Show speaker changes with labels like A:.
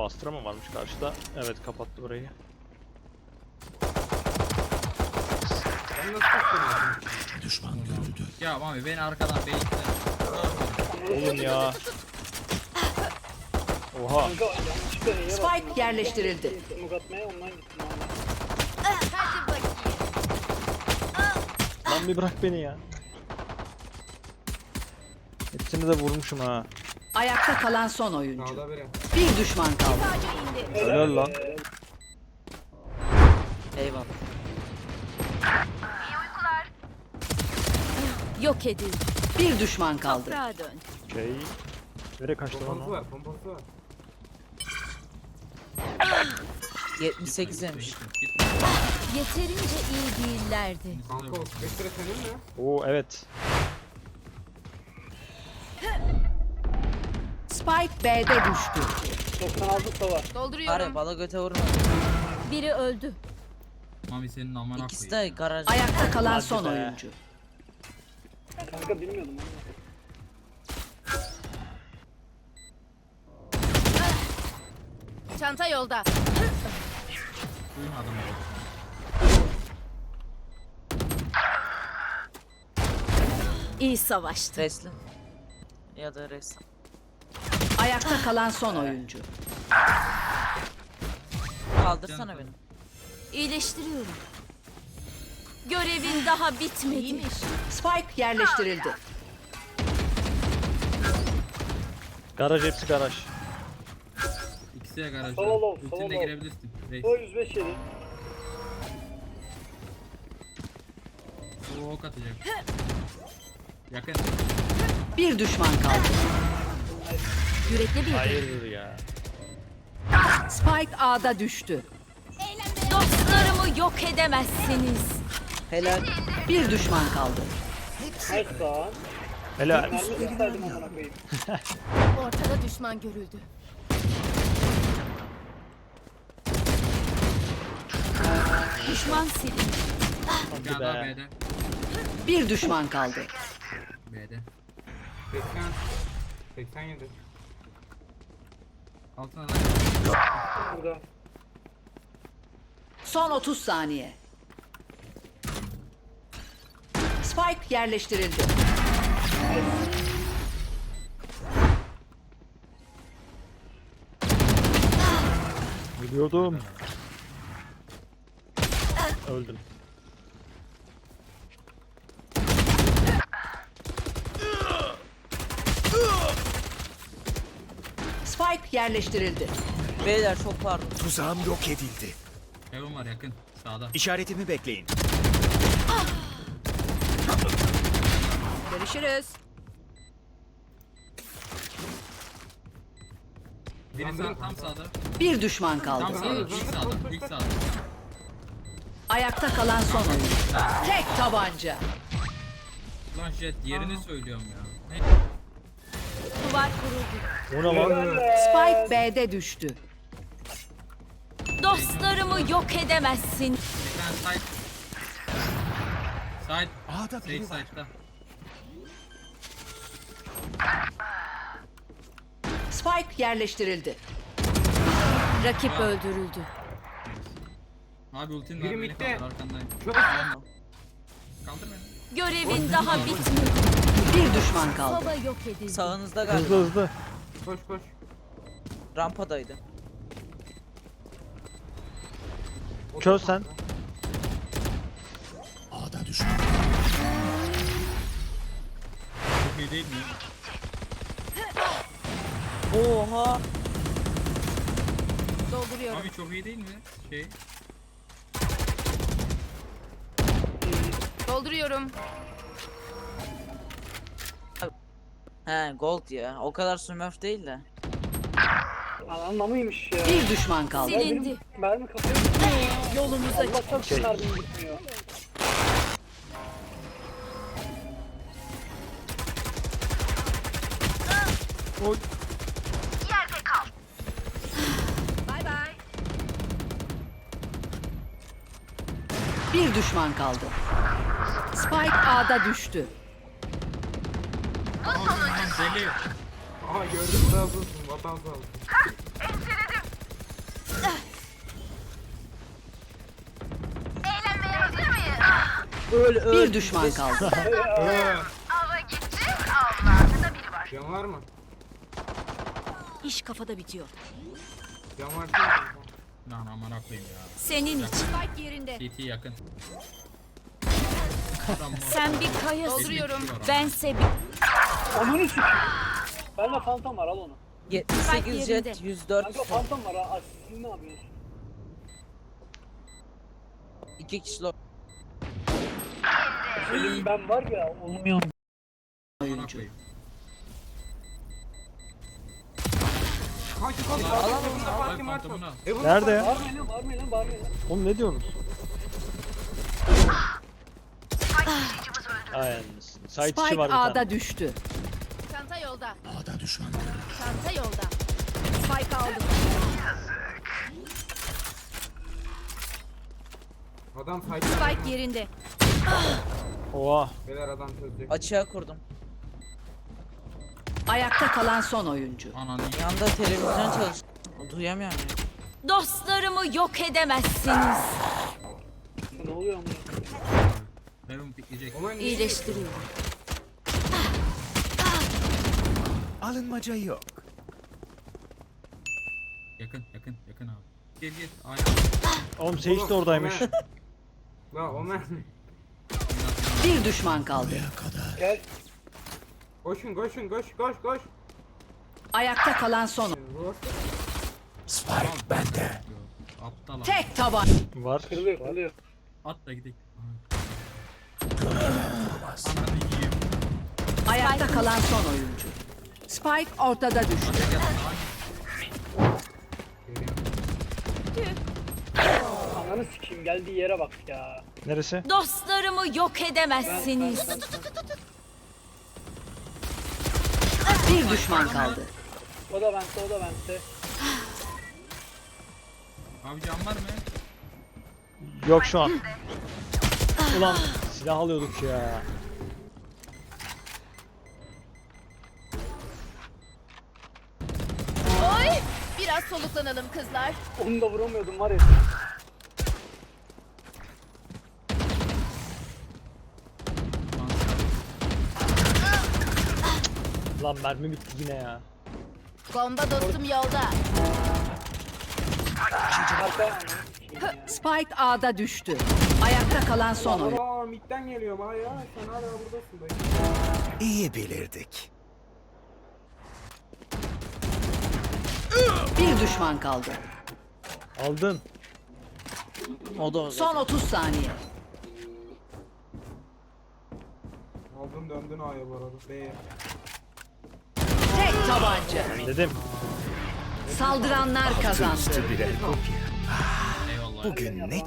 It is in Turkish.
A: Oo, Astra mı varmış karşıda? Evet, kapattı burayı.
B: Ben nasıl tutuyorum?
C: Düşman görüldü.
D: Ya Mami beni arkadan beyitler.
A: Oğlum ya. Oha.
E: Kanka yanlışlıkla E'ye bastım.
F: Spike yerleştirildi.
E: Smoke atmaya ondan gittim abi.
G: Hadi bakayım.
A: Lan bir bırak beni ya. Hepsini de vurmuşum ha.
F: Ayakta kalan son oyuncu.
B: Sağda biri.
F: Bir düşman kaldı.
G: Sadece indi.
A: Helal lan.
F: Eyvallah.
G: Yok edildi.
F: Bir düşman kaldı.
G: Toprağa dön.
A: Okey. Nereye kaçtı lan
B: Pompası
A: o?
B: var, pompası var.
H: 78 yemiş.
G: Yeterince iyi değillerdi.
B: Kanka o spektre senin mi?
A: Oo evet.
F: Spike B'de düştü.
E: 96 sava.
G: Dolduruyorum.
H: Bari bala göte vurma.
G: Biri öldü.
D: Mami senin amına
H: İkisi de
D: koyayım.
H: garaj.
F: Ayakta kalan
A: Hadi
F: son
A: be.
F: oyuncu.
E: Kanka bilmiyordum onu.
G: Çanta yolda.
D: Duymadım.
G: İyi savaştı.
H: Resli. Ya da res.
F: Ayakta kalan son oyuncu.
H: Kaldırsana beni.
G: İyileştiriyorum. Görevin daha bitmedi.
F: Spike yerleştirildi.
A: Garaj, hepsi garaj.
D: İkisi de garajda.
E: Solo,
D: Ultinle
E: solo.
D: girebilirsin. Reis.
E: O 105 yedi.
D: O ok atacak. Yakın.
F: Bir düşman kaldı.
G: Yürekli bir.
A: Hayırdır ya.
F: Spike A'da düştü.
G: Dostlarımı yok edemezsiniz.
H: Helal.
F: Bir düşman kaldı.
E: Nice lan.
A: Helal.
E: Mermi tutsaydım amına koyayım.
G: Ortada düşman görüldü. Düşman silindi.
D: Bir tane daha
A: be.
D: B'de.
F: Bir düşman kaldı.
D: B'de.
B: 80. 87.
D: Altına da.
E: Burada.
F: Son 30 saniye. Spike yerleştirildi.
A: Biliyordum. Öldüm.
F: Spike yerleştirildi.
H: Beyler çok pardon.
C: Tuzağım yok edildi.
D: Heaven var yakın. Sağda.
C: İşaretimi bekleyin.
G: Görüşürüz.
D: Biri sağ, tam sağda.
F: Bir düşman
D: Tam
F: kaldı.
D: sağda. İlk sağda. İlk sağda.
F: Ayakta kalan son oyuncu. Tek tabanca.
D: Lan Jet yerini söylüyorum ya. Ne?
G: Duvar kuruldu.
A: O ne lan?
F: Spike B'de düştü.
G: Dostlarımı yok edemezsin.
D: Bir tane side. Side.
C: A'da
D: Safe
C: biri var.
D: side'da.
F: Spike yerleştirildi.
G: Rakip öldürüldü.
D: Abi ultin var
B: Biri
D: beni
B: midde.
D: kaldır arkandayım.
B: Çok
D: Kaldır beni.
G: Görevin daha bitmedi.
F: Bir düşman kaldı.
G: Baba yok edildi.
H: Sağınızda galiba.
A: Hızlı hızlı.
B: koş koş.
H: Rampadaydı.
A: Çöz sen.
C: A'da düşman.
D: Çok iyi değil mi?
H: Oha.
G: Dolduruyorum.
D: Abi çok iyi değil mi? Şey.
G: Dolduruyorum.
H: He gold ya. O kadar smurf değil de.
E: Anlamıymış ya.
F: Bir düşman kaldı.
G: Silindi.
E: Mermi kafaya
G: Yolumuza
E: Allah'tan şu mermim gitmiyor.
F: Bir düşman kaldı. Spike A'da düştü.
D: Aman deli.
B: Aha gördüm sağ olsun. Vatan sağ olsun.
F: Bir düşman kaldı.
B: Can var mı?
G: İş kafada bitiyor.
B: Can var değil mi?
D: Lan amına koyayım ya.
G: Senin için. Spike yerinde.
D: CT yakın.
G: Sen bir kayasın.
D: Dolduruyorum.
G: Bense bir...
E: Ananı sikeyim. Bende fantom var al onu.
H: 78
G: yerinde.
H: jet 104
E: Kanka fantom var ha. Siz ne yapıyorsunuz?
H: 2 kişi lo-
E: Benim ben var ya olmuyorum.
D: Amına koyayım.
B: Kanki kanki.
H: Al, al,
B: Evan'da
H: al,
B: Fatih var.
D: fantomunu al.
B: Evan'da
A: Nerede ya?
E: Bağırmayın lan bağırmayın lan bağırmayın lan.
A: Oğlum ne diyorsunuz? Aynen. Side içi
F: Spike
A: var bir tane.
F: A'da düştü.
G: Çanta yolda.
C: A'da düşman görüldü.
G: Çanta yolda. Spike aldım.
B: Adam saydı.
G: Spike yerinde.
A: Oha.
B: Beyler adam çözecek.
H: açığa kurdum.
F: Ayakta kalan son oyuncu.
D: Ananı
H: Yanda televizyon çalış. Duyamıyorum ya.
G: Dostlarımı yok edemezsiniz.
E: Ne oluyor amına?
D: Heaven pikleyecek.
B: Oman
G: İyileştiriyorum.
C: Alınmaca yok.
D: Yakın yakın abi. Gel gel. Ay.
A: Oğlum Sage de oradaymış.
B: La Omen.
F: Bir düşman kaldı.
C: Buraya kadar.
E: Gel.
B: Koşun koşun koş koş koş.
F: Ayakta kalan son.
B: Vur.
C: Spike bende.
D: Aptal abi.
F: Tek taban.
A: Var.
E: Kırılıyor kırılıyor.
D: At da gidelim. Ananı yiyeyim.
F: Ayakta kalan son oyuncu. Spike ortada düştü.
E: Ananı sikeyim geldiği yere bak ya.
A: Neresi?
G: Dostlarımı yok edemezsiniz.
F: Bir düşman kaldı.
E: O da bende o da bende.
D: Abi can var mı?
A: Yok şu an. Ulan silah alıyorduk ya.
G: Oy! Biraz soluklanalım kızlar.
E: Onu da vuramıyordum var ya.
A: Lan mermi bitti yine ya.
G: Bomba dostum yolda.
E: Arka ananı sikeyim ya.
F: Spike A'da düştü. Ayakta kalan son oyuncu.
B: Aa midden geliyorum ha ya. Sen hala buradasın dayı.
C: İyi bilirdik.
F: Bir düşman kaldı.
A: Aldın.
H: O da o.
F: Son 30 saniye.
B: Aldın döndün A'ya bu arada. B'ye.
F: Tek tabanca.
A: Ben dedim.
F: Saldıranlar kazandı.
C: Üstü birer kopya.
D: Eyvallah.
C: Bugün ne